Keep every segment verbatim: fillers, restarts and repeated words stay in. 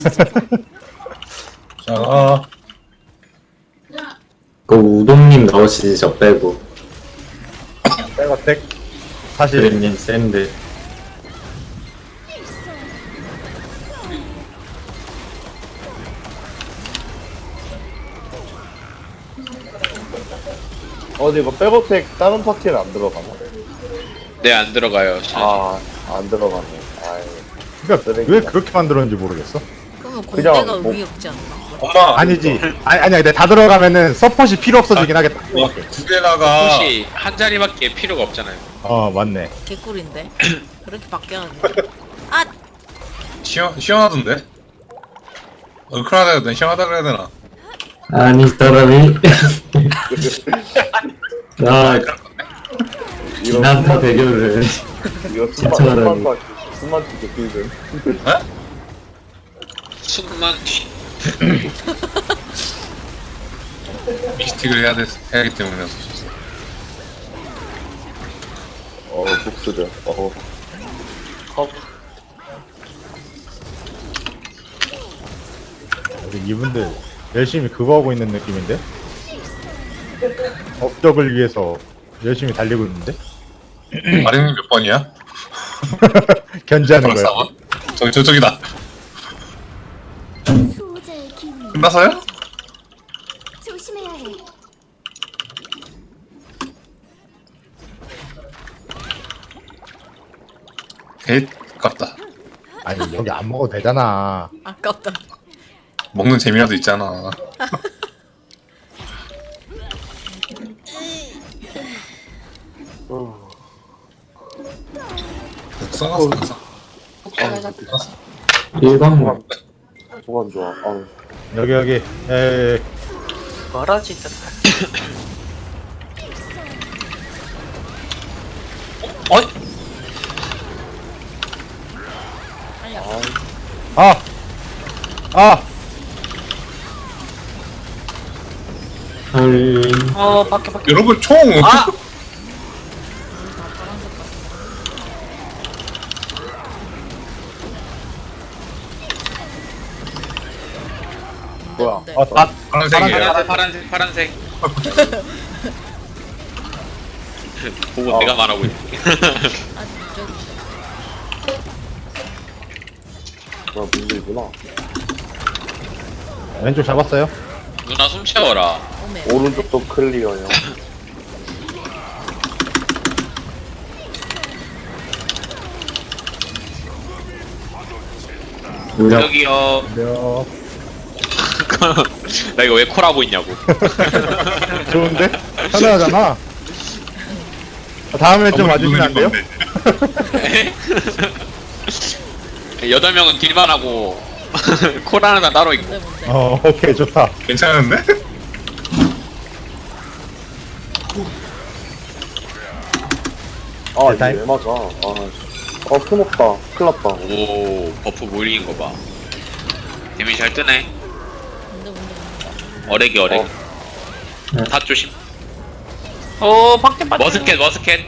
자, 그 우동님 나오시지 저 빼고. 백어택 사실 그림님 샌드. 어디 이거 백어택 다른 파티는 안 들어가나? 네, 안 들어가요. 아 안 들어가네. 아이 그러니까 왜 그렇게 만들었는지 모르겠어. 그러면 그냥 공대가 뭐- 의미 없지 않나? 엄마. 아니지. 아니 아니야. 근데 다 들어가면은 서폿이 필요 없어지긴 하겠다. 두 개다가 혹시 한 자리밖에 필요가 없잖아요. 어 맞네. 개꿀인데? 그렇게 바뀌었네. 아! 시원 시원하던데. 얼큰하다 해야 되나 시원하다 그래야 되나? 아니 사람이. 아 비난타 대결을. 이거 진짜라고. 숨만 숨만 숨만 듣기는. 숨만 쉬. 미스틱을 해야 돼 해야 하기 때문에 어쩔 어 복수들. 어. 우리 이분들 열심히 그거 하고 있는 느낌인데. 업적을 위해서 열심히 달리고 있는데. 마리님 몇 번이야? 견제하는 거야. 싸워? 저기 저쪽이다. 수호자의 기운이 끝나서요? 조심해야 해. 개 아깝다. 아니 여기 안 먹어도 되잖아. 아깝다. 먹는 재미라도 있잖아. 써놨어, 써놨어. 일광. 소감 좋아. 아우. 여기 여기. 에 뭐라지? 어? 아. 아. 헐. 어, 밖에 밖에. 여러분 총! 아! 뭐야? 네. 어 다. 파란색이에요. 파란색, 파란색, 파란색. 보고 어. 내가 말하고 있네. 아, 저기. 뭐야 문제구나. 왼쪽 잡았어요. 누나 숨 쉬어라. 오메. 오른쪽도 클리어요. 무력. 여기요. 몇. 나 이거 왜 콜하고 있냐고. 좋은데? 편하잖아. 다음에 좀 와주시면 안 돼요? 여덟 명은 딜만 하고 콜 하나 따로 있고. 뭔데, 뭔데? 어 오케이 좋다. 괜찮은데? 아 이게 타임. 왜 맞아? 아, 아 큰없다. 큰일났다. 오, 버프 몰리는 거 봐. 데미지 잘 뜨네. 뭔데, 뭔데, 뭔데? 어레기 어레기. 어. 다 조심. 어, 밖에 빠져. 머스켓 머스켓.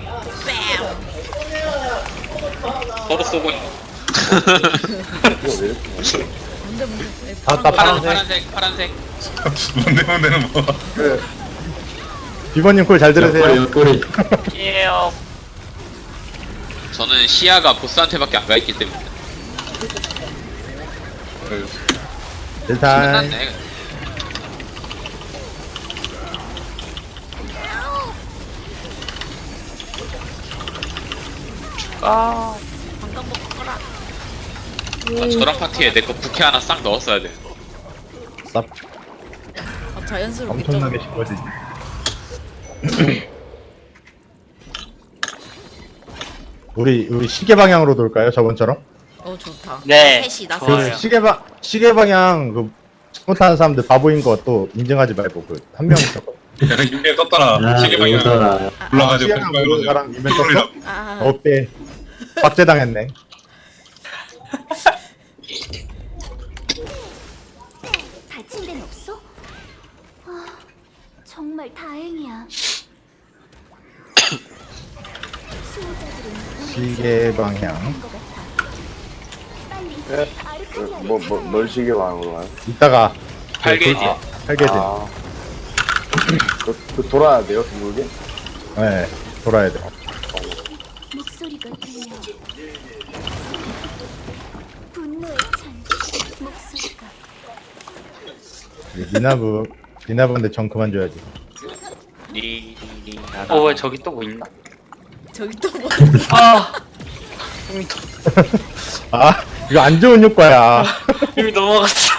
서로 쏘고 있는 거. 이거 왜 이렇게 맞아? 뭔데, 뭔데? 왜 아, 나 파란 파란 파란색. 파란색 파란색. 뭔데 뭔데는 뭐. 그래. 비버님 콜 잘 들으세요. 옆구리 옆구리. 저는 시야가 보스한테밖에 안 가 있기 때문에. 일단 끝났네. 아, 방금 먹고 가라. 아, 저랑 파티에 내 거 부캐 하나 싹 넣었어야 돼. 쌉 아, 자연스럽게 엄청나게 좀- 쉽거든. 우리 우리 시계 방향으로 돌까요? 저번처럼? 어, 좋다. 네, 셋이 나 좋아요. 그 시계 방 시계 방향 그 잘못하는 사람들 바보인 거 또 인증하지 말고 그 한 명 있었거든. 내가 육에 떴더라. 아 시계 방향 이거더라. 올라가지고 시계방 모르는 사람 이면 떴어? 아, 어때? 박제당했네. 다친 데는 없어? 아, 정말 다행이야. 수호자들은 우리 시계 방향. 것 같아. 빨리 네. 아르카나로 뭐, 뭐, 뭘 시계 말하는 거야? 이따가 팔게이지. 팔게이지. 아. 그, 그 돌아야 돼요, 둥글게? 네, 돌아야 돼. 목소리가 들려. 분노의 찬 목소리가. 미나부, 미나부인데 정 그만 줘야지. 리리리 어, 왜 저기 또 뭐 있나? 저기 또 뭐? 아, 이미, 도, 아, 이거 안 좋은 효과야. 이미 넘어갔어.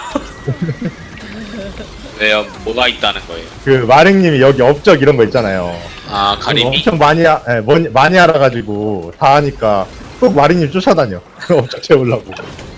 왜요? 뭐가 있다는 거예요? 그 마랭님이 여기 업적 이런 거 있잖아요. 아 그거 가리비? 엄청 많이 하, 예, 많이, 많이 알아가지고 다 하니까 꼭 마랭님 쫓아다녀. 업적 채우려고.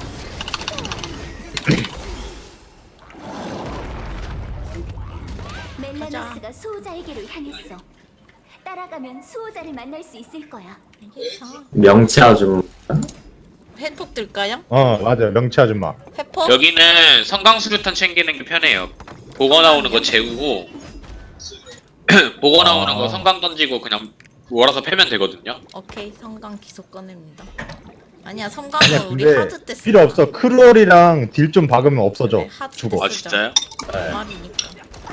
멜라노스가 수호자에게로 향했어. 따라가면 수호자를 만날 수 있을 거야. 명치 아줌마. 회폭 들까요? 어, 맞아요. 명치 아줌마. 회폭? 여기는 성강수류탄 챙기는 게 편해요. 보거 나오는 거 재우고 보거 나오는 거 성강 던지고 그냥 몰아서 패면 되거든요. 오케이, 성강 기속 꺼냅니다. 아니야, 아니야, 성강은 우리 근데 하드 때 필요 없어. 크롤이랑 딜 좀 박으면 없어져. 네, 하드 죽어. 아 진짜요? 말이니까.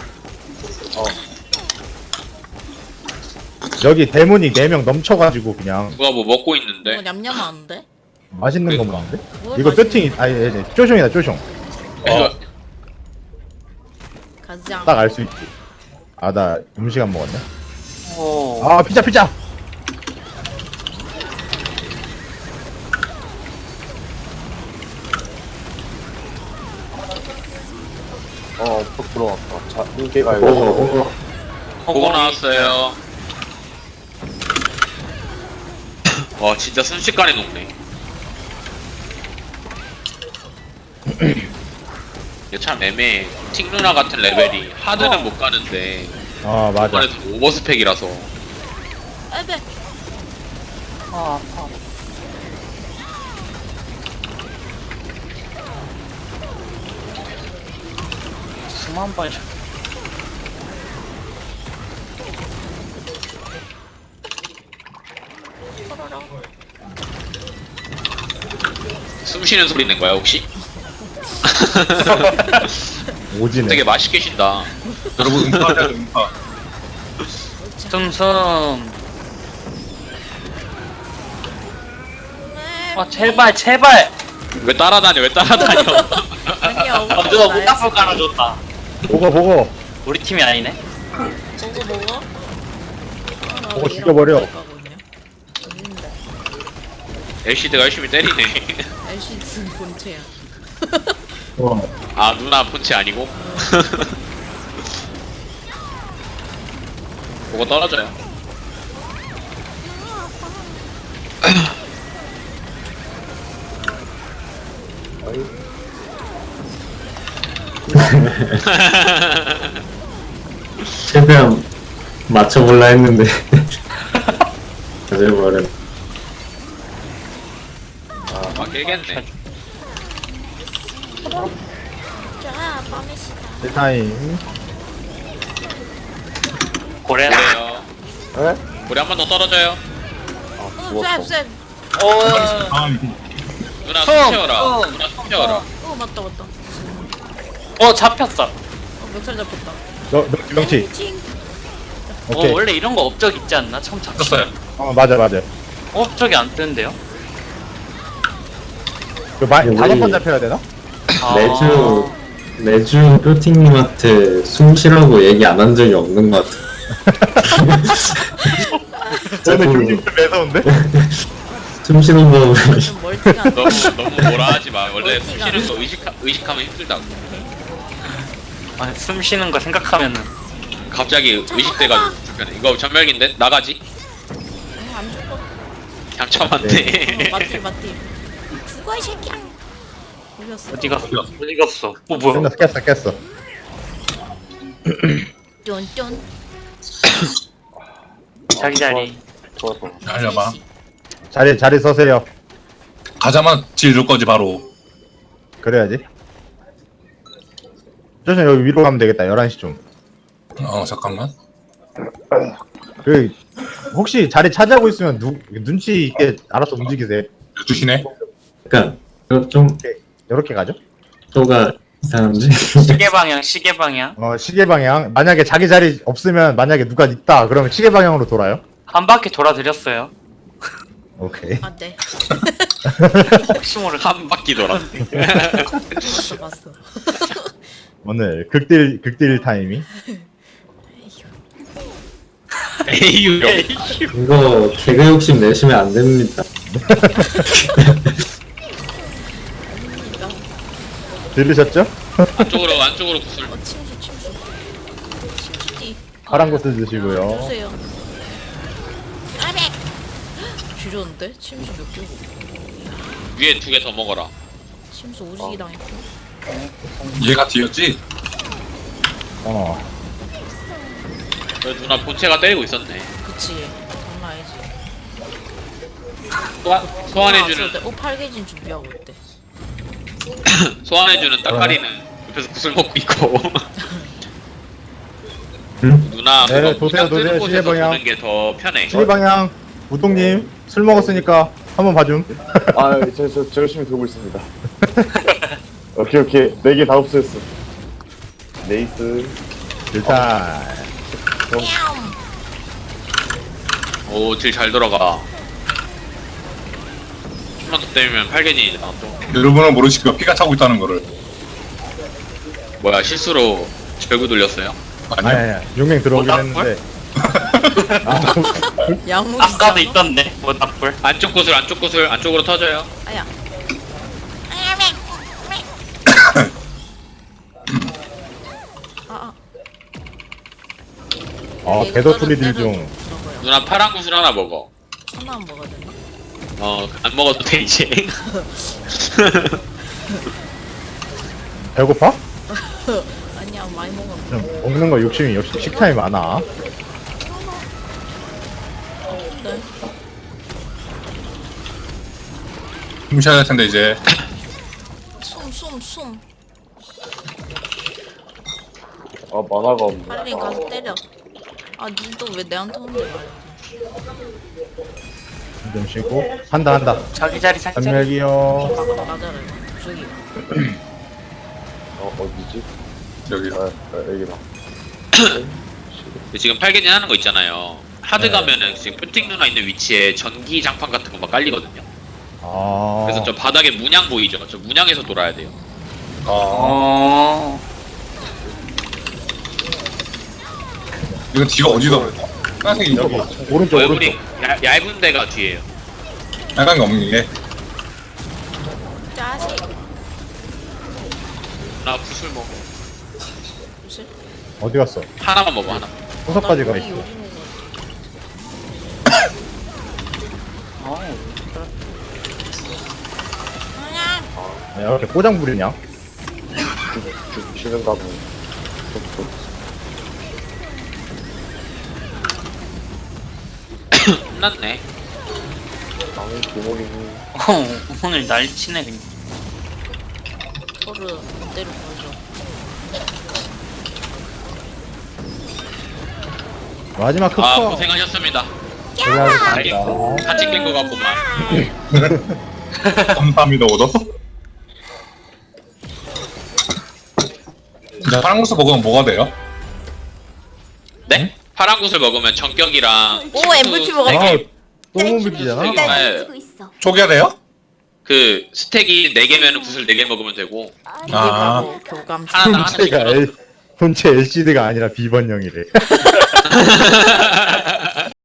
여기 대문이 네 명 넘쳐가지고 그냥 누가 뭐 먹고 있는데? 이거 냠냠하는데? 맛있는 거 그러니까. 먹는데? 뭘 이거 맛있는 뼈팅, 아니, 아니, 아니, 쪼숑이다, 쪼숑. 그래서 가장 딱 알 수 있지. 아, 나 음식 안 먹었네. 어, 아, 피자, 피자! 어, 또 들어왔다. 자, 인기가 오, 이거. 오, 보고 나왔어요. 와 진짜 순식간에 녹네. 이게 참 애매해. 틱 누나 같은 레벨이 하드는 못 가는데 아, 맞아. 이번에도 오버스펙이라서 에베. 아, 아파. 수만 번. 숨 쉬는 소리 낸 거야 혹시? 오지네. 되게 맛있게 쉰다. 여러분 음파하자 음파. 슴슴. 아, 제발, 제발. 왜 따라다녀? 왜 따라다녀? 아니야, 아, 누가 모닥불 깔아줬다. 보고, 보고. 우리 팀이 아니네. 먹어 먹어. 아, 나 먹어, 왜 죽여버려. 이런 거 먹었냐? 어딘데? 엘시드가 열심히 때리네. 엘시드 본체야. 오. 아 누나 폰치 아니고? 그거 떨어져요. 최대한 맞춰볼라 했는데. 맞아버려. 아 깨겠네. 자, 빠메시다. 타임. 고래. 그래요. 에? 우리 한 번 더 떨어져요. 아, 어, 죽었어. 쌤, 쌤. 어, 다음 누나 흠, 숨 채워라. 흠. 누나 숨 채워라. 어, 맞다, 맞다. 어, 잡혔어. 어, 멱살 잡혔다. 너, 너, 명치. 팅. 어, 오케이. 원래 이런 거 업적 있지 않나? 처음 잡혔어. 떴어요. 어, 맞아, 맞아. 업적이 안 뜨는데요? 그 마, 우리- 다섯 번 잡혀야 되나? 아. 매주, 매주 뾰팅님한테 숨 쉬라고 얘기 안 한 적이 없는 것 같아. 저는 자꾸 요즘 좀 매서운데? 숨 쉬는 법을. 좀 멀티가. 너무 너무 뭐라 하지 마. 원래 숨 멀티가. 쉬는 거 의식 의식하면 힘들다고. 아, 숨 쉬는 거 생각하면은. 갑자기 의식돼가지고 불편해. 이거 전멸기인데 나가지? 어, 안 죽어. 잠참한데. 어, 맞지, 맞지. 죽어, 이 새끼야. 올렸어. 어디가, 어디가 없어. 어, 뭐야. 끝났어, 깼어, 깼어. 쫀쫀. 자기 자리. 좋았어. 알려봐. 자리, 자리 서세요. 가자마자 지를 거지 바로. 그래야지. 조심 여기 위로 가면 되겠다. 열한 시쯤. 어 잠깐만. 그, 혹시 자리 차지하고 있으면 누, 눈치 있게 알아서 움직이세요. 열두 시네. 그니까, 좀, 이렇게 가죠? 또가 이상한지? 시계 방향, 시계 방향. 어 시계 방향. 만약에 자기 자리 없으면 만약에 누가 있다 그러면 시계 방향으로 돌아요. 한 바퀴 돌아드렸어요. 오케이. 아, 네. 혹시 모를 한 바퀴 돌았네. 봤어, 봤어. 오늘 극딜 극딜 타이밍. 에이유. 이거 개그 욕심 내시면 안 됩니다. 들으셨죠? 안쪽으로 안쪽으로 구슬. 어, 침수, 침수. 침수띠. 파란 곳을 드시고요. 주세요. 아백! 줄였는데? 침수 몇 개고. 위에 두 개 더 먹어라. 침수 오지기 당했고. 얘가 뒤였지? 어. 저 누나 본체가 때리고 있었네. 그치. 장난 아니지. 소환, 소환해주는 어, 팔개진 준비하고 있대. 소환해주는 따까리는 옆에서 구슬 먹고 있고. 응? 누나 네, 그거 도세요, 무장 뜨는 도세요, 곳에서 시계 방향. 보는 게 더 편해. 시계 방향. 우동님 술 먹었으니까 한번 봐줌. 아, 저, 저, 저 열심히 들고 있습니다. 오케이, 오케이. 네 개 다 없어졌어. 네이스. 일단 오, 딜 잘 들어가. 좀만 더 때리면 팔개진이 나왔죠. 여러분은 모르시고 피가 차고 있다는 거를. 뭐야, 실수로 절구 돌렸어요? 아니 아니요. 아니 용맹 들어오긴 어, 했는데. 양무 아까도 있던데. 뭐 나쁠. 안쪽 구슬, 안쪽 구슬, 안쪽으로 터져요. 아야. 아, 아. 어 배도 소리들 중. 저거요. 누나 파란 구슬 하나 먹어. 하나만 먹어야 되나? 어, 안 먹어도 돼, 이제. 배고파? 아니야, 많이 먹어. 좀 먹는 거 욕심이 역시 식탐이 많아. 네. 숨 쉬어야 할 텐데 이제. 숨, 숨, 숨. 아, 만화가 없네. 빨리 가서 때려. 아, 니도 왜 내한테 혼내 말이야. 좀 쉬고 한다 한다. 자기 자리 살짝. 단멸기요. 맞아라, 저기. 어, 어디지? 여기. 아, 아 여기다. 지금 팔개진 하는 거 있잖아요. 하드 네. 가면은 지금 뾰팅 누나 있는 위치에 전기 장판 같은 거 막 깔리거든요. 아. 그래서 저 바닥에 문양 보이죠? 저 문양에서 돌아야 돼요. 아. 어. 이건 뒤가 어디다 그래? 빨간색이 여기 이거. 오른쪽 얼굴이 오른쪽. 야, 얇은 데가 뒤에요. 빨간 게 없는 게. 짜식. 나 구슬 먹어. 무슨? 어디 갔어? 하나만 먹어, 하나. 호석까지 가 나 있어. 요리 먹어. 어. 아니야. 야, 이렇게 꼬장 부리냐? 죽, 죽는다 보니. 끝났네. 나무 구멍이니. 어, 오늘 날치네 그냥. 토르 그대로 보여줘. 마지막 흑커. 아, 고생하셨습니다. 고생하셨습니다. 같이 깬 거 같구만. 감사합니다 오더. 이제 파란 구슬 먹으면 뭐가 돼요? 네? 파란 구슬 먹으면 전격이랑 오, 침수 엠브티 먹었어. 네 개. 아, 똥 물기잖아. 네. 날 네. 가지고 있어. 쪼개야 돼요? 그 스택이 네 개면 구슬 네 개 먹으면 되고 이게 아. 바로 교감. 하나 하나씩 본체가 들어. L, 본체 엘시디가 아니라 비번형이래.